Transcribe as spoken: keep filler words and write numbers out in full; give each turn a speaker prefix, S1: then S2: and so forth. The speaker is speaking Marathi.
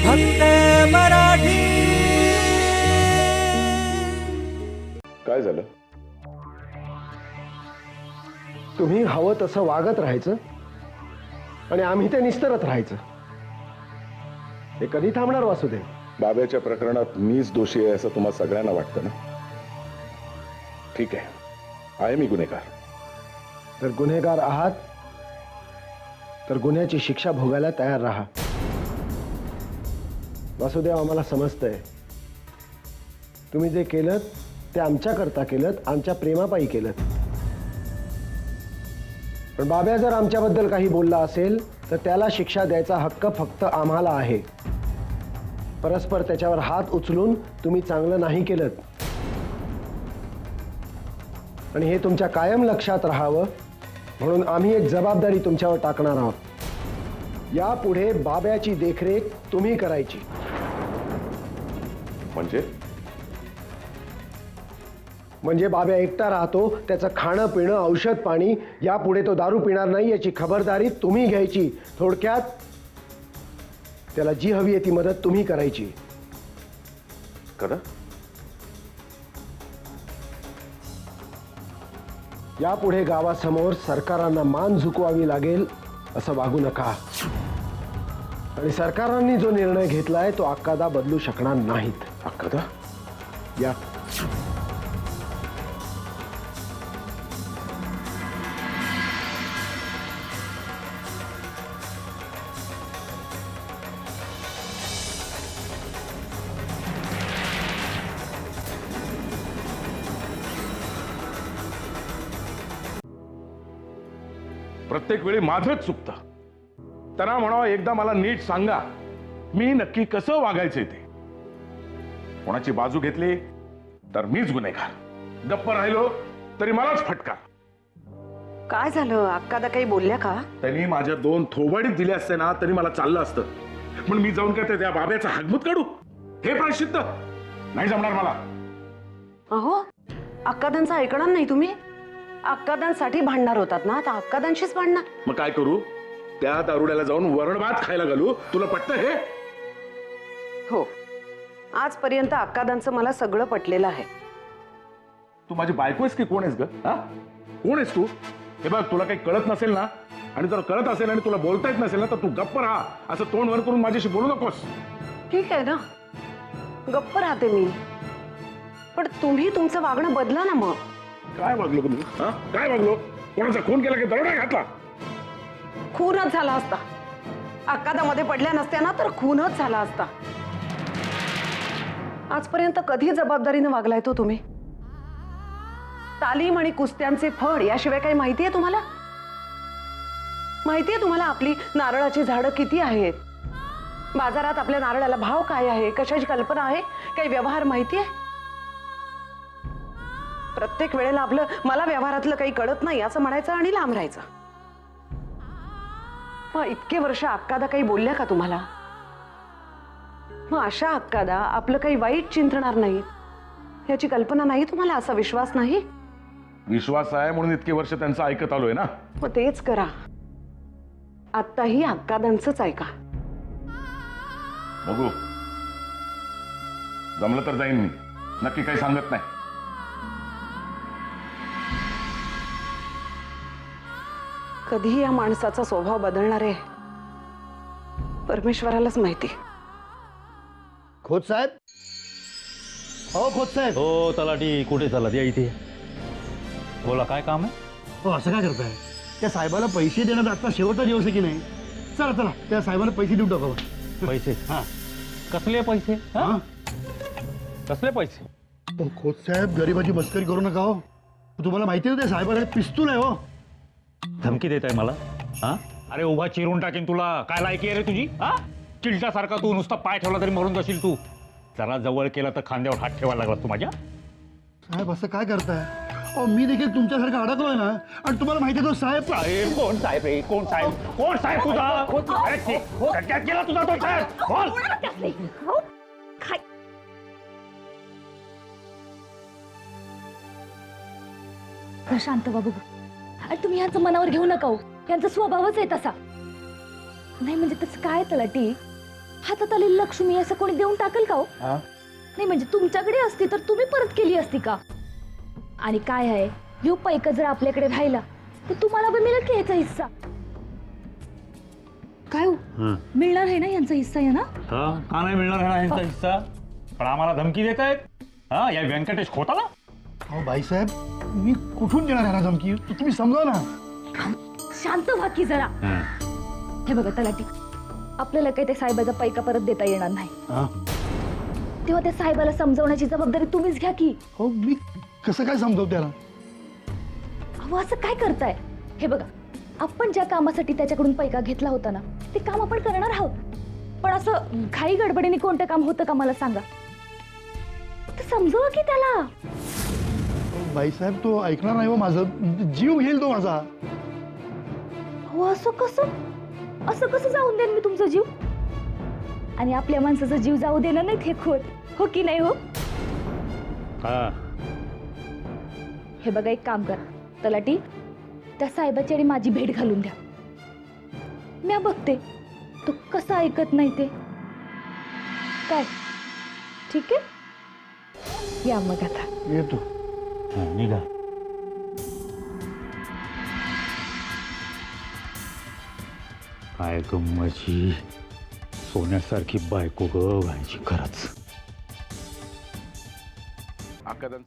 S1: फक्त मराठी.
S2: काय झालं?
S3: तुम्ही हवं तसं वागत राहायचं आणि आम्ही ते निस्तरत राहायचं. हे कधी थांबणार वासुदेव?
S2: बाब्याच्या प्रकरणात मीच दोषी आहे असं तुम्हा सगळ्यांना वाटतं ना? ठीक आहे, आहे मी गुन्हेगार.
S3: जर गुन्हेगार आहात तर गुन्ह्याची शिक्षा भोगायला तयार राहा. वासुदेव, आम्हाला समजतंय तुम्ही जे केलं ते आमच्याकरता केलं, आमच्या प्रेमापायी केलं. पण बाब्या जर आमच्याबद्दल काही बोलला असेल तर त्याला शिक्षा द्यायचा हक्क फक्त आम्हाला आहे. परस्पर त्याच्यावर हात उचलून तुम्ही चांगलं नाही केलं आणि हे तुमच्या कायम लक्षात राहावं म्हणून आम्ही एक जबाबदारी तुमच्यावर टाकणार आहोत. यापुढे बाब्याची देखरेख तुम्ही करायची.
S2: म्हणजे
S3: म्हणजे बाब्या एकटा राहतो, त्याचं खाणं पिणं औषध पाणी यापुढे तो दारू पिणार नाही याची खबरदारी तुम्ही घ्यायची. थोडक्यात त्याला जी हवी आहे ती मदत तुम्ही करायची.
S2: करा.
S3: यापुढे गावासमोर सरकारांना मान झुकवावी लागेल असं वागू नका. आणि सरकारांनी जो निर्णय घेतलाय तो अक्कादा बदलू शकणार नाहीत.
S2: अक्कादा?
S3: या
S2: प्रत्येक वेळी माझंच चुकतं. त्यांना म्हणावं एकदा मला नीट सांगा मी नक्की कसं वागायचंय ते. कोणाची बाजू घेतली तर मीच गुन्हेगार, गप्प राहिलो तरी मलाच फटका.
S4: काय झालं? अक्कादा काही बोलल्या का?
S2: त्यांनी माझ्या दोन थोबाडीत दिले असते ना तरी मला चाललं असतं. पण मी जाऊन काय त्या बाब्याचा हागमूत काढू? हे प्रायश्चित्त नाही जमणार मला.
S4: अहो, अक्कादांचं ऐकणार नाही तुम्ही? अक्कादांसाठी भांडणार होतात ना, आता अक्कादांशीच भांडणार.
S2: मग काय करू? त्या दारुड्याला जाऊन वरण भात खायला घालू? तुला पटतं हे?
S4: हो, आजपर्यंत अक्कादांचं मला सगळं पटलेलं आहे.
S2: तू माझी बायको आहेस की कोण आहेस ग? हा, कोण आहेस तू? हे बघ, तुला काही कळत नसेल ना आणि जर कळत असेल आणि तुला बोलता येत नसेल ना तर तू गप्प राहा. असं तोंड वर करून माझ्याशी बोलू नकोस.
S4: ठीक आहे ना, गप्प राहते मी. पण तुम्ही तुमचं वागणं बदला ना. मग
S2: काय वागलो तुम्ही? हा, काय वागलो? कोणाचा खून केला की दरोडा घातला?
S4: खूनच झाला असता. अक्कादामध्ये पडल्या नसत्या ना तर खूनच झाला असता. आजपर्यंत कधी जबाबदारीने वागलाय तो तुम्ही? तालीम आणि कुस्त्यांचे फळ याशिवाय काही माहिती आहे तुम्हाला? माहिती आहे तुम्हाला आपली नारळाची झाडं किती आहेत? बाजारात आपल्या नारळाला भाव काय आहे? कशाची कल्पना आहे? काही व्यवहार माहिती आहे? प्रत्येक वेळेला आपलं मला व्यवहारातलं काही कळत नाही असं म्हणायचं आणि लांब राहायचं. मग इतके वर्ष अक्कादा काही बोलल्या का तुम्हाला? मग अशा अक्कादा आपलं काही वाईट चिंतणार नाही याची कल्पना नाही तुम्हाला? असा विश्वास नाही?
S2: विश्वास आहे म्हणून इतके वर्ष त्यांचं ऐकत आलोय ना.
S4: मग तेच करा. आत्ताही अक्कादांचंच ऐका.
S2: बघू, जमलं तर जाईन मी. नक्की काही सांगत नाही.
S4: कधी या माणसाचा स्वभाव बदलणार आहे परमेश्वरालाच माहिती.
S3: खोत साहेब, हो खोत साहेब.
S5: हो तलाठी, कुठे चालत? या इथे. बोला, काय काम आहे?
S6: हो, असं काय करताय? त्या साहेबाला पैसे देण्यात आता शेवटचा दिवस आहे की नाही? चला चला त्या साहेबाला पैसे देऊन टाकावं.
S5: पैसे?
S6: हा.
S5: कसले पैसे? हा?
S6: हा?
S5: कसले पैसे?
S6: हो खोत साहेब, गरिबाची मस्करी करू नका हो. तुम्हाला माहिती आहे त्या साहेबाला पिस्तूल आहे हो.
S5: धमकी देत आहे मला? हा, अरे उभा चिरून टाकेन तुला. काय लायकी आहे रे तुझी? हा, चिलटासारखा तू नुसता पाय ठेवला तरी मरून जाशील तू. जरा जवळ केला तर खांद्यावर हात ठेवायला लागला तू माझ्या.
S6: साहेब असं काय करताय? अहो मी देखील तुमच्यासारखा अडकलोय ना. आणि तुम्हाला माहिती आहे तो साहेब
S5: साहेब कोण? साहेब रे, कोण साहेब? कोण साहेब तुझा? अरे ते, सगळ्यात गेला तुझा तो साहेब. बोल.
S7: शांत बाबू, अरे तुम्ही यांचं मनावर घेऊ नका हो. यांचा स्वभावच आहे तसा. नाही म्हणजे तसं काय तलाठी, हातात आलेली लक्ष्मी असं कोणी देऊन टाकेल का हो?
S6: हा
S7: नाही म्हणजे तुमच्याकडे असती तर तुम्ही परत केली असती का? आणि काय आहे, ह्यो पैका जर आपल्याकडे राहिला तर तुम्हाला पण मिळेल की ह्याचा हिस्सा? काय हो, मिळणार आहे ना यांचा हिस्सा आहे ना?
S5: हा, का नाही मिळणार आहे ना यांचा हिस्सा? पण आम्हाला धमकी देत आहेत हा या व्यंकटेश खोताला.
S6: अहो बाईसाहेब, मी कुठून देणार आहे ना धमकी? तू- तुम्ही समजा ना.
S7: शांत व्हा की जरा. हे बघा तलाठी, आपल्याला काही त्या साहेबाचा पैका परत देता येणार नाही.
S6: हा
S7: तेव्हा त्या साहेबाला समजवण्याची जबाबदारी तुम्हीच घ्या की.
S6: हो, मी कसं काय समजावू त्याला?
S7: अहो असं काय करताय? हे बघा, आपण ज्या कामासाठी त्याच्याकडून पैका घेतला होता ना ते काम आपण करणार आहोत. पण असं घाई गडबडीने कोणतं काम होतं का मला सांगा? तर समजवा की त्याला.
S6: अहो, बाईसाहेब तो ऐकणार नाही हो माझं, जीव घेईल तो माझा.
S7: हो असं कसं असं कसं जाऊन देईन मी तुमचा जीव? आणि आपल्या माणसाचा जीव जाऊ देणार नाहीत हे खोट, हो की नाही हो?
S5: हा
S7: हे बघा, एक काम करा तलाठी, त्या साहेबाची आणि माझी भेट घालून द्या. मी बघते तो कसा ऐकत नाही ते. काय ठीक आहे, या मग आता.
S6: येतो.
S5: हा, निघा. काय गम्मची सोन्यासारखी बायको ग व्हायची खरंच.
S2: अक्कादांचं